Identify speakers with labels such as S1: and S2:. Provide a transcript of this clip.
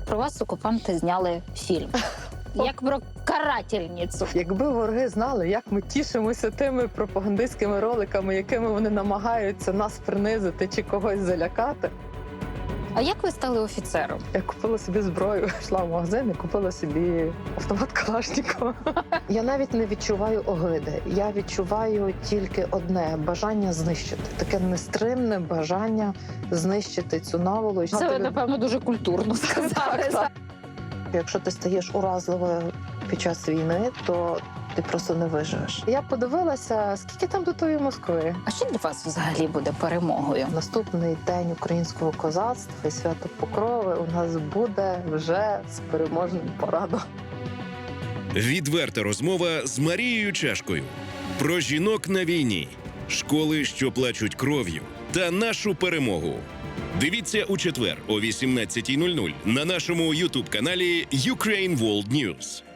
S1: про вас окупанти зняли фільм. Як про карательницю.
S2: Якби вороги знали, як ми тішимося тими пропагандистськими роликами, якими вони намагаються нас принизити чи когось залякати.
S1: А як ви стали офіцером?
S2: Я купила собі зброю, йшла в магазин і купила собі автомат Калашнікова. Я навіть не відчуваю огиди. Я відчуваю тільки одне – бажання знищити. Таке нестримне бажання знищити цю наволоч.
S1: Це ви, напевно, дуже культурно сказали.
S2: Так. Якщо ти стаєш уразливою під час війни, то ти просто не виживеш. Я подивилася, скільки там до тої Москви.
S1: А що для вас взагалі буде перемогою?
S2: Наступний день українського козацтва і свято Покрови у нас буде вже з переможним парадом.
S3: Відверта розмова з Марією Чашкою. Про жінок на війні, школи, що плачуть кров'ю, та нашу перемогу. Дивіться у четвер о 18:00 на нашому YouTube-каналі Ukraine World News.